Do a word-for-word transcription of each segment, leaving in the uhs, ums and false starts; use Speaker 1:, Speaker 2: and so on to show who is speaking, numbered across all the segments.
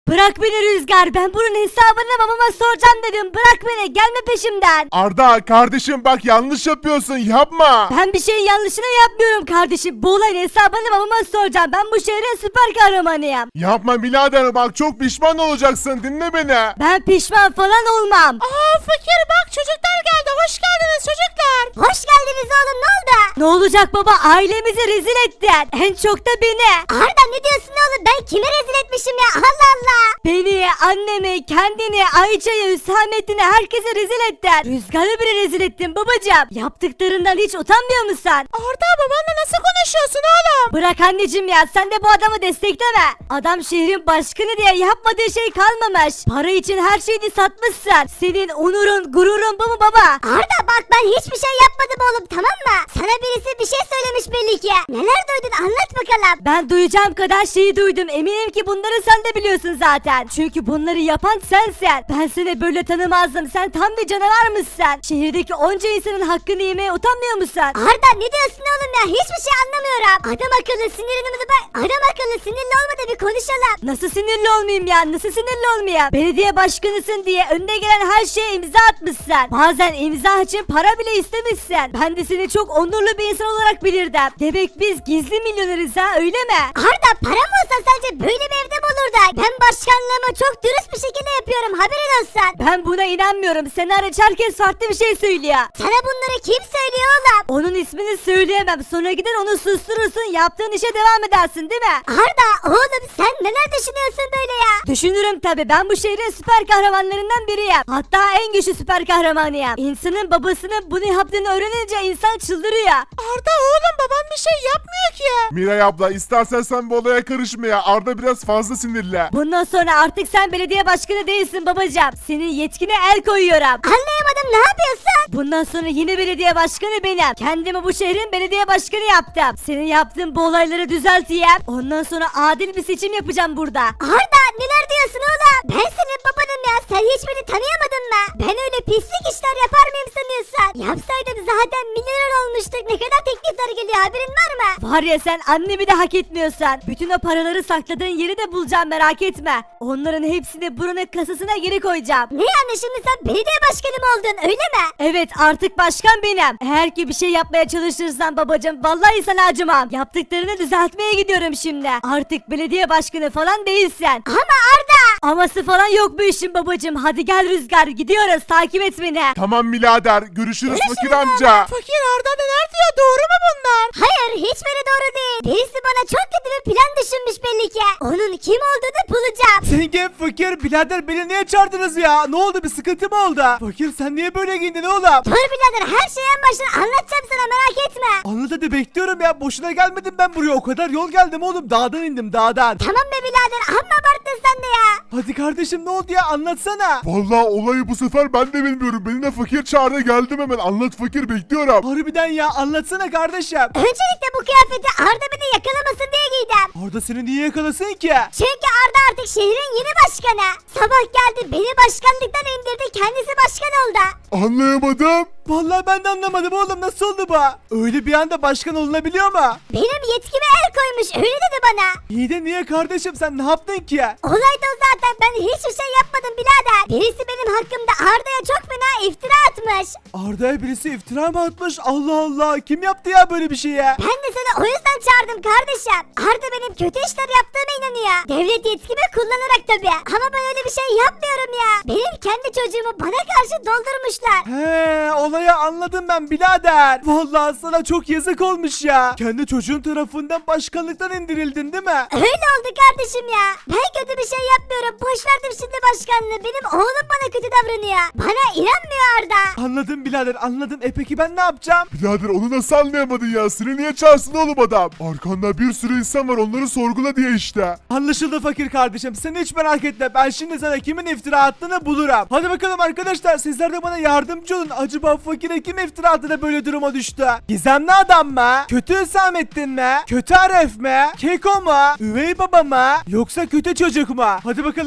Speaker 1: Bırak beni Rüzgar, ben bunun hesabını babama soracağım dedim. Bırak beni, gelme peşimden.
Speaker 2: Arda kardeşim bak yanlış yapıyorsun yapma.
Speaker 1: Ben bir şeyin yanlışını yapmıyorum kardeşim. Bu olayın hesabını babama soracağım. Ben bu şehrin süper kahramanıyım.
Speaker 2: Yapma birader bak çok pişman olacaksın dinle beni.
Speaker 1: Ben pişman falan olmam.
Speaker 3: Aa fakir bak çocuklar geldi. Hoş geldiniz çocuklar.
Speaker 1: Hoş geldiniz oğlum, ne oldu? Ne olacak baba, ailemizi rezil ettin. En çok da beni.
Speaker 3: Arda ne diyorsun oğlum? Ben kimi rezil etmişim ya? Allah Allah.
Speaker 1: Beni, annemi, kendini, Ayça'yı, Hüsamettin'i, herkese rezil ettin. Rüzgar'ı bile rezil ettin babacığım. Yaptıklarından hiç utanmıyor musun?
Speaker 3: Arda babanla nasıl konuşuyorsun oğlum?
Speaker 1: Bırak anneciğim ya, sen de bu adamı destekleme. Adam şehrin başkanı diye yapmadığı şey kalmamış. Para için her şeyini satmışsın. Senin onurun, gururun bu mu baba?
Speaker 3: Arda bak ben hiçbir şey yapmadım oğlum, tamam mı? Sana birisi bir şey söylemiş belli ki. Neler duydun anlat bakalım.
Speaker 1: Ben duyacağım kadar şeyi duydum. Eminim ki bunları sen de biliyorsun zaten. Çünkü bunları yapan sensin. Ben seni böyle tanımazdım. Sen tam bir canavar mısın? Şehirdeki onca insanın hakkını yemeye utanmıyor musun?
Speaker 3: Arda ne diyorsun oğlum ya? Hiçbir şey anlamıyorum. Adam akıllı sinirini bak. Adam akıllı sinirli olma da bir konuşalım.
Speaker 1: Nasıl sinirli olmayayım ya? Nasıl sinirli olmayayım? Belediye başkanısın diye önüne gelen her şeye imza atmışsın. Bazen imza için para bile istemişsin. Ben de seni çok onurlu bir insan olarak bilirdim. Demek biz gizli milyoneriz ha, öyle mi?
Speaker 3: Arda param olsa sence böyle bir evde mi olurdu? Ben başkanlığımı çok dürüst bir şekilde yapıyorum, haberin olsun.
Speaker 1: Ben buna inanmıyorum. Seni hariç herkes farklı bir şey söylüyor.
Speaker 3: Sana bunları kim söylüyor oğlum?
Speaker 1: Onun ismini söyleyemem. Sonra gider onu susturursun. Yaptığın işe devam edersin değil mi?
Speaker 3: Arda oğlum sen neler düşünüyorsun böyle ya?
Speaker 1: Düşünürüm tabi. Ben bu şehrin süper kahramanlarından biriyim. Hatta en güçlü süper kahramanıyım. İnsanın babasının bunu yaptığını öğrenince insan çıldırıyor.
Speaker 3: Arda oğlum babam bir şey yapmıyor ki.
Speaker 2: Miray abla istersen sen bu olaya karışma ya. Arda biraz fazla sinirli.
Speaker 1: Bundan sonra artık sen belediye başkanı değilsin babacığım. Senin yetkine el koyuyorum.
Speaker 3: Anlayamadım, ne yapıyorsun?
Speaker 1: Bundan sonra yeni belediye başkanı benim. Kendimi bu şehrin belediye başkanı yaptım. Senin yaptığın bu olayları düzelteyim. Ondan sonra adil bir seçim yapacağım burada.
Speaker 3: Arda neler diyorsun oğlum? Ben senin babanım ya, sen hiç beni tanıyamadın mı? Ben öyle pislik işler yapar mıyım sanıyorsun? Yapsaydım zaten milyoner olmuştuk. Ne kadar teklifler geliyor, haberin var mı?
Speaker 1: Var ya, sen annemi de hak etmiyorsan. Bütün o paraları sakladığın yeri de bulacağım, merak etme. Onların hepsini buranın kasasına geri koyacağım.
Speaker 3: Ne yani şimdi sen belediye başkanı mı oldun öyle mi?
Speaker 1: Evet, artık başkan benim. Eğer ki bir şey yapmaya çalışırsan babacığım vallahi sana acımam. Yaptıklarını düzeltmeye gidiyorum şimdi. Artık belediye başkanı falan değilsin.
Speaker 3: Ama Arda.
Speaker 1: Aması falan yok bu işin babacığım. Hadi gel Rüzgar, gidiyoruz, takip et beni.
Speaker 2: Tamam birader görüşürüz fakir amca.
Speaker 3: Fakir Arda neler diyor, doğru mu bunlar? Hayır hiçbiri doğru değil. Birisi bana çok kötü bir plan düşünmüş belli ki. Onun kim olduğunu bulacağım.
Speaker 4: Zengin fakir birader beni niye çağırdınız ya? Ne oldu, bir sıkıntı mı oldu? Fakir sen niye böyle giyindin oğlum?
Speaker 3: Dur birader, her şeyi en baştan anlatacağım sana, merak etme.
Speaker 4: Anlat hadi, bekliyorum ya, boşuna gelmedim ben buraya, o kadar yol geldim oğlum, dağdan indim dağdan.
Speaker 3: Tamam be birader, amma abarttın sen de ya.
Speaker 4: Hadi kardeşim ne oldu ya, anlatsana.
Speaker 2: Vallahi olayı bu sefer ben de bilmiyorum. Beni de fakir çağırdı geldim hemen. Anlat fakir bekliyorum.
Speaker 4: Harbiden ya, anlatsana kardeşim.
Speaker 3: Öncelikle bu kıyafeti Arda beni yakalamasın diye giydim.
Speaker 4: Arda seni niye yakalasın ki?
Speaker 3: Çünkü Arda artık şehrin yeni başkanı. Sabah geldi beni başkanlıktan indirdi, kendisi başkan oldu.
Speaker 2: Anlayamadım.
Speaker 4: Vallahi ben de anlamadım oğlum, nasıl oldu bu? Öyle bir anda başkan olunabiliyor mu?
Speaker 3: Benim yetkime el koymuş, öyle dedi bana.
Speaker 4: İyi de niye kardeşim, sen ne yaptın ki?
Speaker 3: Olay da o zaten, ben hiçbir şey yapmadım birader. Birisi benim hakkımda Arda'ya çok fena iftira atmış.
Speaker 4: Arda'ya birisi iftira mı atmış? Allah Allah, kim yaptı ya böyle bir şey ya?
Speaker 3: Ben de seni o yüzden çağırdım kardeşim. Arda benim kötü işler yaptığıma inanıyor. Devlet yetkimi kullanarak tabii. Ama ben öyle bir şey yapmıyorum ya. Benim kendi çocuğumu bana karşı doldurmuşlar.
Speaker 4: He, olayı anladım ben birader. Vallahi sana çok yazık olmuş ya. Kendi çocuğun tarafından başkanlıktan indirildin değil mi?
Speaker 3: Öyle oldu kardeşim ya. Ben kötü bir şey yapmıyorum. Boş verdim şimdi başkanlığı. Benim oğlum bana kötü davranıyor. Bana inanmıyor Arda.
Speaker 4: Anladım birader, anladım. E peki ben ne yapacağım?
Speaker 2: Birader onu nasıl anlayamadın ya? Seni niye çağırsın oğlum adam? Arkanda bir sürü insan var onları sorgula diye işte.
Speaker 4: Anlaşıldı fakir kardeşim. Sen hiç merak etme. Ben şimdi sana kimin iftira attığını bulurum. Hadi bakalım arkadaşlar, sizler de bana yardımcı olun. Acaba fakire kim iftira attı da böyle duruma düştü? Gizemli adam mı? Kötü Hüsamettin mi? Kötü Aref mi? Keko mu? Üvey baba mı? Yoksa kötü çocuk mu? Hadi bakalım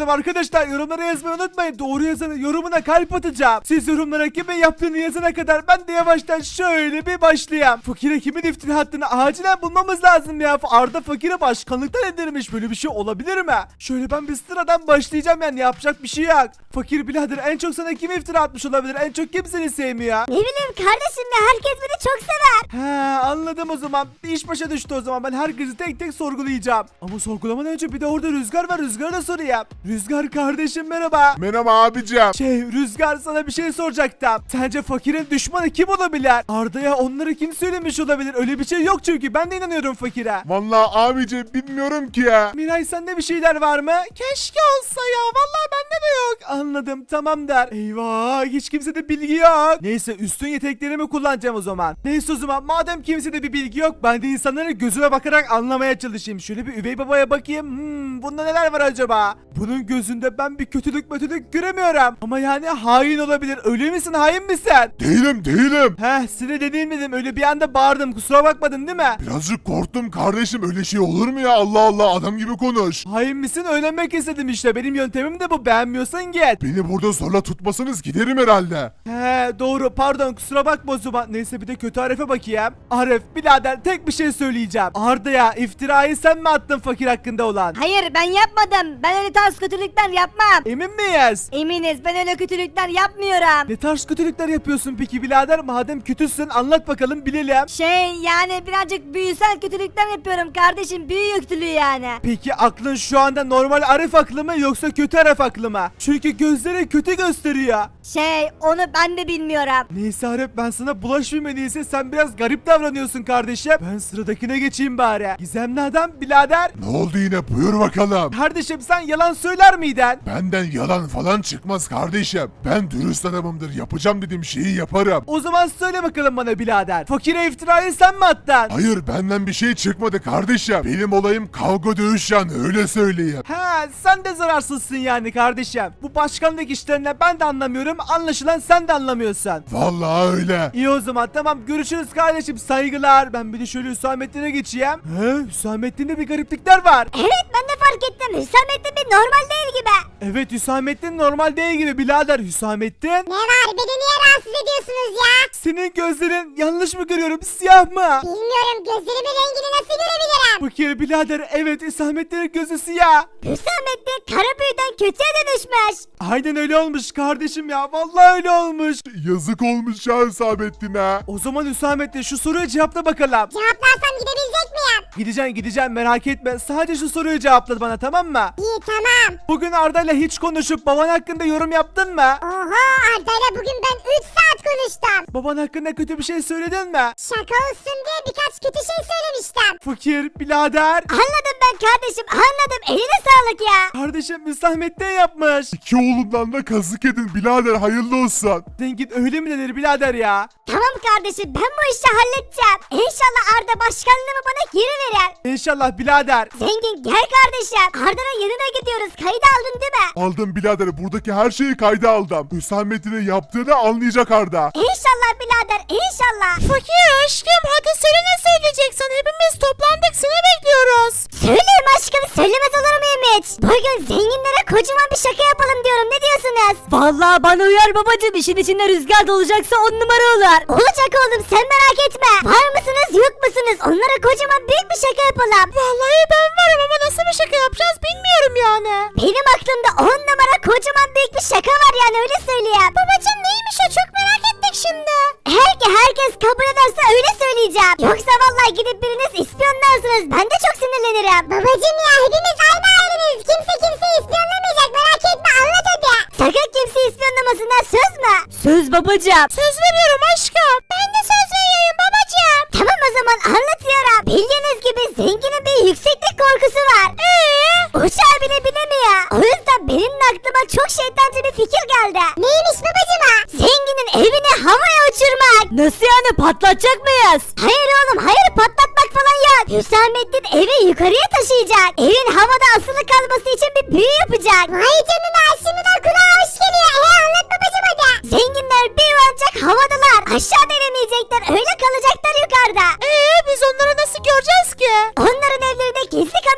Speaker 4: bakalım arkadaşlar, yorumlara yazmayı unutmayın. Doğru yazanın yorumuna kalp atacağım. Siz yorumlara kimin yaptığını yazana kadar ben de yavaştan şöyle bir başlayayım. Fakire kimin iftira attığını acilen bulmamız lazım ya. Arda fakire başkanlıktan edilmiş, böyle bir şey olabilir mi? Şöyle ben bir sıradan başlayacağım, yani yapacak bir şey yok. Fakir birader, en çok sana kim iftira atmış olabilir? En çok kim seni sevmiyor?
Speaker 3: Ne bileyim kardeşim ya, herkes beni çok sever.
Speaker 4: He, anladım o zaman. Bir iş başa düştü o zaman. Ben herkesi tek tek sorgulayacağım. Ama sorgulamadan önce bir de orada Rüzgar var. Rüzgar'a da sorayım. Rüzgar kardeşim merhaba.
Speaker 2: Merhaba abicim.
Speaker 4: Şey Rüzgar, sana bir şey soracaktım. Sence fakirin düşmanı kim olabilir? Arda'ya onları kim söylemiş olabilir? Öyle bir şey yok çünkü. Ben de inanıyorum fakire.
Speaker 2: Vallahi abicim bilmiyorum ki ya.
Speaker 4: Miray, sende bir şeyler var mı? Keşke olsa ya. Vallahi bende de yok. Anladım, tamam der. Eyvah, hiç kimsede bilgi yok. Neyse, üstün yeteneklerimi kullanacağım o zaman. Neyse o zaman, madem kimsede bir bilgi yok, ben de insanların gözüne bakarak anlamaya çalışayım. Şöyle bir üvey babaya bakayım. Hmm, bunda neler var acaba? Bunun gözünde ben bir kötülük kötülük göremiyorum. Ama yani hain olabilir. Öyle misin, hain misin?
Speaker 2: Değilim değilim.
Speaker 4: Heh, seni dediğim dedim. Öyle bir anda bağırdım. Kusura bakmadın değil mi?
Speaker 2: Birazcık korktum kardeşim, öyle şey olur mu ya? Allah Allah, adam gibi konuş.
Speaker 4: Hain misin? Öğrenmek istedim işte. Benim yöntemim de bu. Beğenmiyorsan git.
Speaker 2: Beni burada zorla tutmasanız giderim herhalde.
Speaker 4: He doğru, pardon, kusura bakma o zaman. Neyse, bir de kötü Arif'e bakayım. Arif birader, tek bir şey söyleyeceğim. Arda'ya iftirayı sen mi attın fakir hakkında olan?
Speaker 1: Hayır, ben yapmadım. Ben öyle tarz kötülükler yapmam.
Speaker 4: Emin miyiz?
Speaker 1: Eminiz, ben öyle kötülükler yapmıyorum.
Speaker 4: Ne tarz kötülükler yapıyorsun peki birader? Madem kötüsün anlat bakalım, bilelim.
Speaker 1: Şey yani birazcık büyüsel kötülükler yapıyorum kardeşim. Büyü kötülüğü yani.
Speaker 4: Peki aklın şu anda normal Arif aklı mı yoksa kötü Arif aklı mı? Çünkü gözleri kötü gösteriyor.
Speaker 1: Şey onu ben de bilmiyorum.
Speaker 4: Neyse Arif, ben sana bulaşmayayım en iyisi. Sen biraz garip davranıyorsun kardeşim. Ben sıradakine geçeyim bari. Gizemli adam birader.
Speaker 2: Ne oldu yine, buyur bakalım.
Speaker 4: Kardeşim, sen yalan söyler miydin?
Speaker 2: Benden yalan falan çıkmaz kardeşim. Ben dürüst adamımdır, yapacağım dediğim şeyi yaparım.
Speaker 4: O zaman söyle bakalım bana birader. Fakire iftirayı sen mi attın?
Speaker 2: Hayır, benden bir şey çıkmadı kardeşim. Benim olayım kavga dövüş yani, öyle söyleyeyim.
Speaker 4: He, sen de zararsızsın yani kardeşim. Bu başkanlık işlerine ben de anlamıyorum. Anlaşılan sen de anlamıyorsun.
Speaker 2: Vallahi öyle.
Speaker 4: İyi o zaman, tamam, görüşürüz kardeşim, saygılar. Ben bir de şöyle Hüsamettin'e geçeyim. He, Hüsamettin'de bir gariplikler var.
Speaker 3: Evet, ben de fark ettim. Hüsamettin bir normal değil gibi.
Speaker 4: Evet, Hüsamettin normal değil gibi birader. Hüsamettin,
Speaker 3: Ne var? Beni niye rahatsız ediyorsunuz ya?
Speaker 4: senin gözlerin yanlış mı görüyorum, siyah mı?
Speaker 3: Bilmiyorum, gözlerimin rengini nasıl görebilirim?
Speaker 4: Fakir birader, evet, Hüsamettin'in gözü siyah.
Speaker 3: Hüsamettin kara büyüden kötüye dönüşmüş.
Speaker 4: Aynen öyle olmuş kardeşim ya, vallahi öyle olmuş.
Speaker 2: Yazık olmuş ya Hüsamettin'e.
Speaker 4: O zaman Hüsamettin, şu soruyu cevapla bakalım.
Speaker 3: Cevaplarsam gidebilecek miyim?
Speaker 4: Gideceksin gideceksin, merak etme. Sadece şu soruyu cevapla bana, tamam mı?
Speaker 3: İyi, tamam.
Speaker 4: Bugün Arda'yla hiç konuşup baban hakkında yorum yaptın mı?
Speaker 3: Oha, Arda'yla bugün ben üç saat konuştum.
Speaker 4: Baban hakkında kötü bir şey söyledin mi?
Speaker 3: Şaka olsun diye birkaç kötü şey söylemiştim.
Speaker 4: Fakir birader.
Speaker 3: Anladım ben kardeşim, anladım. Eline sağlık ya.
Speaker 4: Kardeşim Hüsamettin yapmış.
Speaker 2: İki oğlumdan da kazık edin birader, hayırlı olsun.
Speaker 4: Zengin öyle mi denir birader ya?
Speaker 3: Tamam kardeşim, ben bu işi halledeceğim. İnşallah Arda başkanlığımı bana geri verir.
Speaker 4: İnşallah birader.
Speaker 3: Zengin gel kardeşim. Arda'nın yanına gidiyoruz. Kaydı aldın değil mi?
Speaker 2: Aldım birader, buradaki her şeyi kayda aldım. Hüsamettin'in yaptığını anlayacak Arda.
Speaker 3: İnşallah birader, inşallah.
Speaker 5: Fakir aşkım, hadi söyle, ne söyleyeceksin? Hepimiz toplandık, seni bekliyoruz.
Speaker 3: Söyleyeyim aşkım, söylemez olur muyum hiç? Bugün zenginlere kocaman bir şaka yapalım diyorum, ne diyorsunuz?
Speaker 1: Vallahi bana uyar babacım. İşin içinde Rüzgar da olacaksa on numara olur.
Speaker 3: Olacak oğlum, sen merak etme. Var mısınız yok musunuz? Onlara kocaman büyük bir şaka yapalım.
Speaker 5: Vallahi ben varım ama nasıl bir şaka yapacağız bilmiyorum yani.
Speaker 3: Benim aklımda on numara kocaman büyük bir şaka var yani, öyle söyleyeyim. Babacım neymiş o, çok merak ettik şimdi. Eğer ki herkes kabul ederse öyle söyleyeceğim. Yoksa vallahi gidip biriniz ispiyonlarsınız, ben de çok sinirlenirim. Babacım ya, hepimiz aynı aileyiz. Kimse kimseyi ispiyonlamayacak, merak etme, anlat hadi. Sakın kimse ispiyonlamasınlar, söz mü?
Speaker 1: Söz babacım.
Speaker 5: Söz veriyorum aşkım. Ben de söz veriyorum babacığım.
Speaker 3: Tamam o zaman anlatıyorum. Bildiğiniz gibi zenginin bir yükseklik korkusu var. Eee? Uçağı bile binemiyor. O yüzden benim de aklıma çok şeytancı bir fikir geldi. Neymiş babacım ha? Zenginin evini havaya uçurmak.
Speaker 1: Nasıl yani, patlatacak mıyız?
Speaker 3: Hayır oğlum, hayır, patlatmak falan yok. Hüsamettin evi yukarıya taşıyacak. Evin havada asılı kalması için bir büyü yapacak. Vay canına, şimdiden kulağa hoş geliyor. Eee, anlat babacım hadi. Zenginler bir yuvarlak havadalar. Aşağı inemeyecekler, öyle kalacaklar yukarıda.
Speaker 5: Ee biz onları nasıl göreceğiz ki?
Speaker 3: Onların evlerine gizli kamera koyacağız.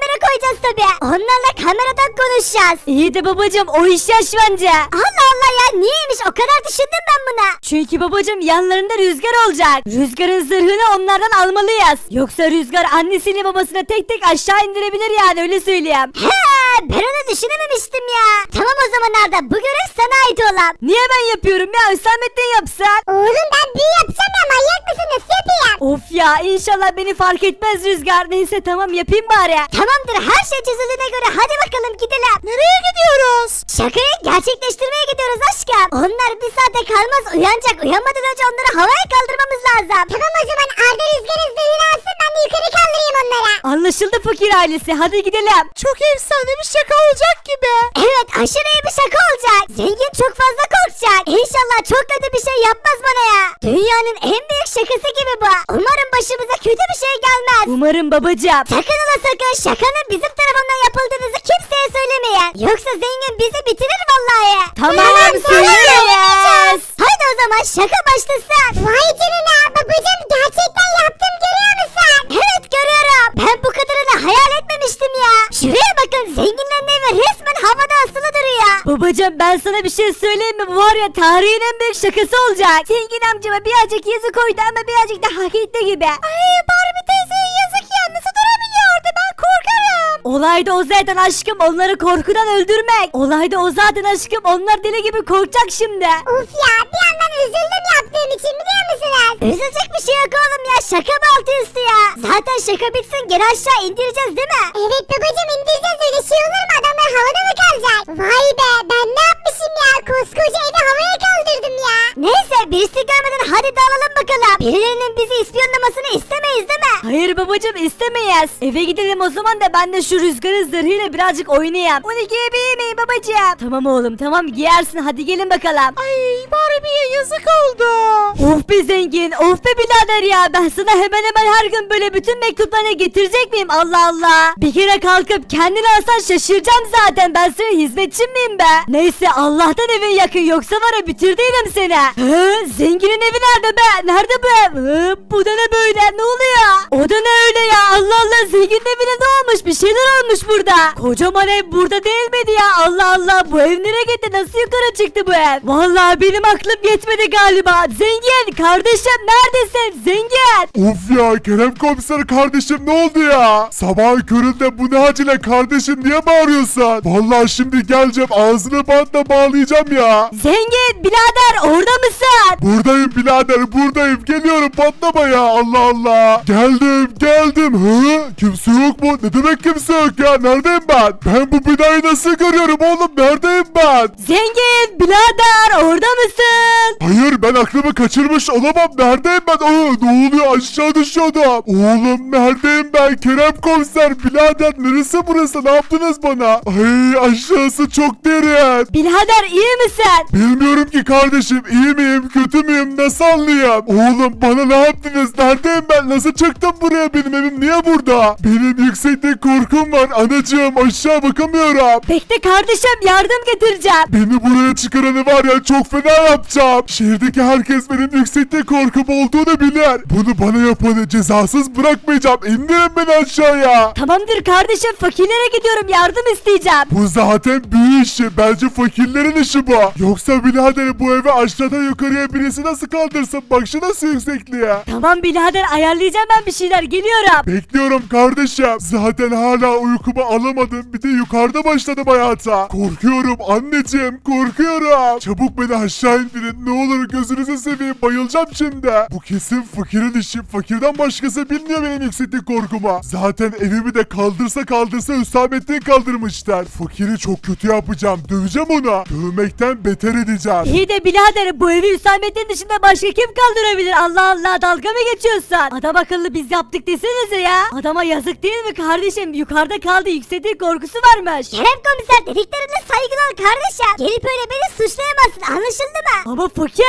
Speaker 3: yapmayacağız tabii. Onlarla kameradan konuşacağız.
Speaker 1: İyi de babacım o iş yaş bence.
Speaker 3: Allah Allah ya niyeymiş o kadar düşündüm ben buna.
Speaker 1: Çünkü babacım yanlarında Rüzgar olacak. Rüzgar'ın zırhını onlardan almalıyız. Yoksa Rüzgar annesiyle babasına tek tek aşağı indirebilir yani öyle söyleyeyim.
Speaker 3: He ben onu düşünememiştim ya. Tamam o zaman Arda bu görev sana ait olan.
Speaker 1: Niye ben yapıyorum ya Hüsamettin yapsan?
Speaker 3: Oğlum ben büyü yapacağım ya manyak mısın nasıl yapayım?
Speaker 1: Of ya inşallah beni fark etmez Rüzgar. Neyse tamam yapayım bari.
Speaker 3: Tamamdır her şey çözüldüğüne göre hadi bakalım gidelim.
Speaker 5: Nereye gidiyoruz?
Speaker 3: Şakayı gerçekleştirmeye gidiyoruz aşkım. Onlar bir saate kalmaz uyanacak. Uyanmadan önce onları havaya kaldırmamız lazım. Tamam o zaman Arda Rüzgar'ın zırhını alsın ben de yukarı kaldırayım onlara.
Speaker 1: Anlaşıldı fakir ailesi hadi gidelim.
Speaker 5: Çok efsane bir şaka olacak gibi.
Speaker 3: Evet aşırı iyi bir şaka olacak. Zengin çok fazla korkacak. İnşallah çok kötü bir şey yapmaz bana ya. Dünyanın en büyük şakası gibi bu. Umarım başımıza kötü bir şey gelmez.
Speaker 1: Umarım babacığım.
Speaker 3: Sakın ola sakın şakanın bizim tarafından yapıldığınızı kimseye söylemeyin. Yoksa zengin bizi bitirir vallahi.
Speaker 1: Tamam söyleriz.
Speaker 3: Hadi o zaman şaka başlasın. Vay canına babacığım gerçekten yaptım görüyor musun? Evet görüyorum. Ben bu kadarını hayal etmemiştim ya. Şuraya bakın zenginlerin evi resmen havada asılı duruyor.
Speaker 1: Babacığım ben sana bir şey söyleyeyim mi? Bu var ya tarihin en büyük şakası olacak. Zengin amcama birazcık yazık koydu ama birazcık da hak etti gibi.
Speaker 3: Ay Barbie teyzeye yazık ya nasıl durabiliyordu ben korkarım.
Speaker 1: Olay da o zaten aşkım onları korkudan öldürmek. Olay da o zaten aşkım onlar deli gibi korkacak şimdi.
Speaker 3: Uf ya bir yandan üzüldüm yaptığım için biliyor musunuz? Üzülecek bir şey yok oğlum ya şaka mı altı üstü ya? Zaten şaka bitsin geri aşağı indireceğiz değil mi? Evet babacım indireceğiz öyle şey olur mu adamlar havada mı kalacak? Vay be ben ne yapmışım ya koskoca evi havaya kaldırdım ya. Neyse birisi görmeden hadi dağılalım bakalım. Birilerinin bizi ispiyonlamasını istemeyiz değil mi?
Speaker 1: Hayır babacığım istemeyiz. Eve gidelim o zaman da ben de şu Rüzgar'ın zırhıyla birazcık oynayayım. Onu giyebilir miyim babacığım? Tamam oğlum tamam giyersin hadi gelin bakalım.
Speaker 5: Ay Barbie'ye yazık oldu.
Speaker 1: Of be zengin of be birader ya ben sana hemen hemen her gün böyle bütün mektuplarını getirecek miyim Allah Allah. Bir kere kalkıp kendini alsan şaşıracağım zaten ben senin hizmetçin miyim be. Neyse Allah'tan evin yakın yoksa var ya bitirdiydim seni. Hı, zenginin evi nerede be nerede bu ev? Hı, bu da ne böyle ne oluyor? O da ne öyle ya Allah Allah zenginin evine ne olmuş bir şeyler olmuş burada. Kocaman ev burada değil miydi ya Allah Allah bu ev nereye gitti nasıl yukarı çıktı bu ev? Vallahi benim aklım yetmedi galiba. Zengin kardeşim neredesin zengin?
Speaker 2: Of ya Kerem komiser kardeşim ne oldu ya? Sabahın köründe bu ne acele kardeşim niye bağırıyorsun? Vallahi şimdi geleceğim ağzını bantla bağlayacağım ya.
Speaker 1: Zengin birader orada mısın?
Speaker 2: Buradayım birader buradayım geliyorum patlama ya Allah Allah. Geldim geldim hı? Kimse yok mu? Ne demek kimse yok ya neredeyim ben? Ben bu binayı nasıl görüyorum oğlum neredeyim ben?
Speaker 1: Zengin birader orada mısın?
Speaker 2: Hayır ben aklımı kaçırmış olamam neredeyim ben? Aa, ne oluyor aşağı düşüyordum. Oğlum neredeyim ben Kerem komiser birader neresi burası ne yaptınız bana? Ay aşağısı çok derin.
Speaker 1: Birader iyi misin?
Speaker 2: Bilmiyorum ki kardeşim iyi miyim kötü müyüm nasıl anlayayım? Oğlum bana ne yaptınız neredeyim ben nasıl çıktım buraya benim evim niye burada? Benim yüksekte korkum var anacığım aşağı bakamıyorum.
Speaker 1: Bekle kardeşim yardım getireceğim.
Speaker 2: Beni buraya çıkaranı var ya çok fena yapacağım. Şehirdeki herkes benim yüksekte korkum olduğunu bilir. Bunu bana yapanı cezasız bırakmayacağım. İndirin beni aşağıya.
Speaker 1: Tamamdır kardeşim fakirlere gidiyorum yardım isteyeceğim.
Speaker 2: Bu zaten büyü işi. Bence fakirlerin işi bu. Yoksa birader bu eve aşağıdan yukarıya birisi nasıl kaldırsın? Bak şu nasıl yüksekliğe.
Speaker 1: Tamam birader ayarlayacağım ben bir şeyler geliyorum.
Speaker 2: Bekliyorum kardeşim. Zaten hala uykumu alamadım. Bir de yukarıda başladım hayata. Korkuyorum anneciğim korkuyorum. Çabuk beni aşağı indirin. Ne olur gözünüzü seveyim bayılacağım şimdi. Bu kesin fakirin işi. Fakirden başkası bilmiyor benim yükseklik korkumu. Zaten evimi de kaldırsa kaldırsa Hüsamettin kaldırmışlar. Fakiri çok kötü yapacağım. Döveceğim onu. Dövmekten beter edeceğim.
Speaker 1: İyi de birader bu evi Hüsamettin dışında başka kim kaldırabilir? Allah Allah dalga mı geçiyorsun? Adam akıllı biz yaptık desenize ya. Adama yazık değil mi kardeşim? Yukarıda kaldı yükseklik korkusu varmış.
Speaker 3: Kerem komiser dediklerine saygılı ol kardeşim. Gelip öyle beni suçlayamazsın anlaşıldı mı?
Speaker 1: Ama fakir.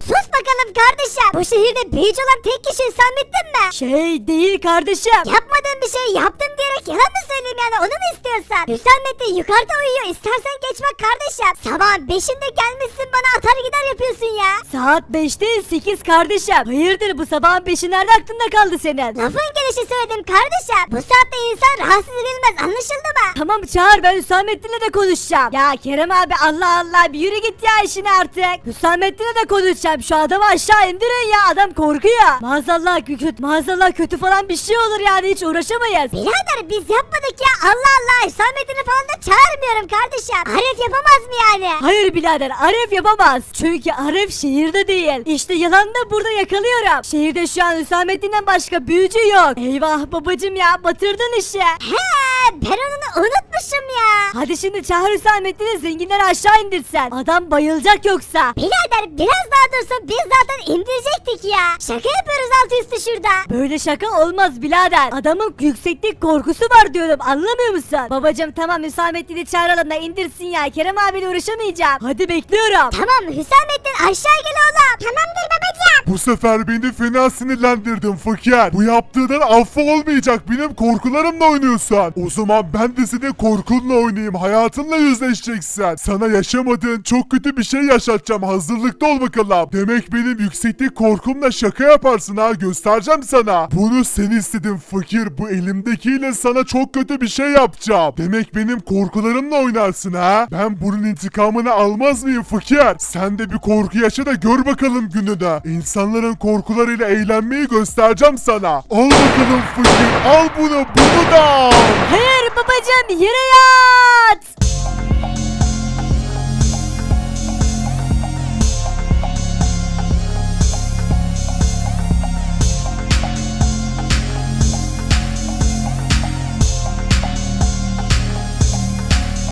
Speaker 3: sus bakalım kardeşim. Bu şehirde büyücü olan tek kişi Hüsamettin mi?
Speaker 1: Şey değil kardeşim.
Speaker 3: Yapmadığın bir şey yaptım diyerek yalan mı söyleyeyim yani onu mu istiyorsan? Hüsamettin yukarıda uyuyor istersen geç bak kardeşim. Sabahın beşinde gelmişsin bana atar gider yapıyorsun ya.
Speaker 1: Saat beş değil sekiz kardeşim. Hayırdır bu sabahın beşi nerede aklında kaldı senin?
Speaker 3: Lafın gelişi söyledim kardeşim. Bu saatte insan rahatsız edilmez anlaşıldı mı?
Speaker 1: Tamam çağır ben Hüsamettin'le de konuşacağım. Ya Kerem abi Allah Allah bir yürü git ya işine artık. Hüsamettin'le de konuşacağım. Şu adamı aşağı indirin ya adam korkuyor. Maazallah kötü, maazallah kötü falan bir şey olur yani hiç uğraşamayız.
Speaker 3: Birader biz yapmadık ya Allah Allah Hüsamettin'i falan da çağırmıyorum kardeşim. Arif yapamaz mı yani?
Speaker 1: Hayır birader Arif yapamaz. Çünkü Arif şehirde değil. İşte yalan da burada yakalıyorum. Şehirde şu an Hüsamettin'den başka büyücü yok. Eyvah babacım ya batırdın işi.
Speaker 3: He ben onu unutmuşum ya.
Speaker 1: Hadi şimdi çağır Hüsamettin'i zenginleri aşağı indirsen. Adam bayılacak yoksa.
Speaker 3: Birader biraz daha dursun biz zaten indirecektik ya. Şaka yapıyoruz altı üstü şurada.
Speaker 1: Böyle şaka olmaz birader. Adamın yükseklik korkusu var diyorum anlamıyor musun? Babacım tamam Hüsamettin'i çağıralım da indirsin ya. Kerem abiyle uğraşamayacağım. Hadi bekliyorum.
Speaker 3: Tamam Hüsamettin aşağı gel oğlum. Tamamdır babacığım.
Speaker 2: Bu sefer beni fena sinirlendirdin fakir. Bu yaptığından affı olmayacak. Benim korkularımla oynuyorsun. O zaman ben de senin korkunla oynayayım. Hayatınla yüzleşeceksin. Sana yaşamadığın çok kötü bir şey yaşatacağım. Hazırlıklı ol bakalım. Demek benim yükseklik korkumla şaka yaparsın ha. Göstereceğim sana. Bunu sen istedin fakir. Bu elimdekiyle sana çok kötü bir şey yapacağım. Demek benim korkularımla oynarsın ha. Ben bunun intikamını almaz mıyım fakir? Sen de bir korku yaşa da gör bakalım gününü. İnsanların korkularıyla eğlenmeyi göstereceğim sana. Al bakalım fakir. Al bunu. Bunu da al.
Speaker 1: Hayır babacım yere yat.